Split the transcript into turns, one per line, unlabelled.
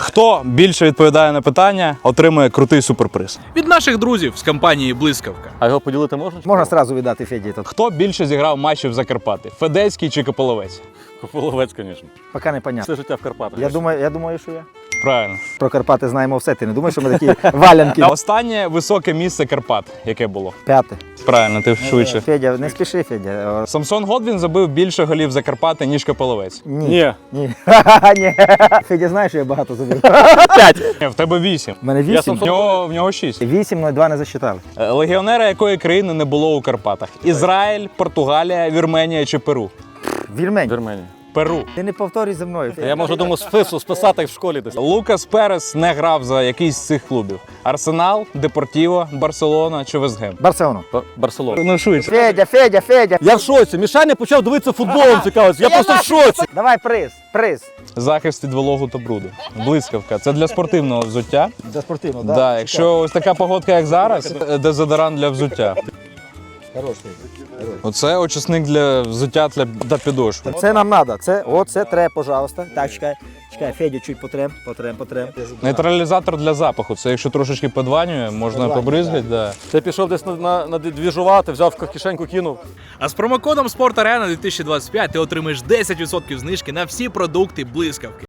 Хто більше відповідає на питання, отримує крутий суперприз.
Від наших друзів з компанії «Блискавка».
А його поділити можна?
Можна одразу віддати Феді. Тут
Хто більше зіграв матчів за Карпати? Федецький чи Кополовець?
Кополовець, звісно.
поки не понятно.
Все життя в Карпатах.
Я думаю, що я.
Правильно.
Про Карпати знаємо все. Ти не думаєш, що ми такі валянки?
Останнє високе місце Карпат, яке було?
П'яте.
Правильно, ти швидше.
Федя, не спіши, Федя.
Самсон Годвін забив більше голів за Карпати, ніж Кополовець.
Ні.
Ні. Ні. Федя знає, що я багато забив.
Ні, в тебе 8.
У мене 8.
В нього 6.
8, 2 не засчитали.
Легіонера якої країни не було у Карпатах? Ізраїль, Португалія, Вірменія чи Перу?
Вірмень.
Вірменія.
Перу.
Ти не повторюй за мною.
Я можу, думаю, списати в школі десь.
Лукас Перес не грав за якийсь з цих клубів. Арсенал, Депортіво, Барселона чи Вестгем?
Барселону.
Барселона.
Ну швидше.
Федя.
Я в шоці. Мішаня почав дивитися футболом, цікавиться. Я просто в шоці.
Давай приз.
Захист від вологу та бруду. Блискавка. Це для спортивного взуття.
За спортивно,
Да, якщо ось така погодка, як зараз, дезодорант для взуття.
Хороший.
Оце очисник для взуття та підошви.
Це нам треба. Це треба, пожалуйста. Так, чекай, Федю, чуть потрем.
Нейтралізатор для запаху. Це якщо трошечки подванює, можна побризгати. Да.
Ти пішов десь на двіжувати, взяв в кишеньку, кинув.
А з промокодом «Спорт Арена 2025» ти отримаєш 10% знижки на всі продукти «Блискавки».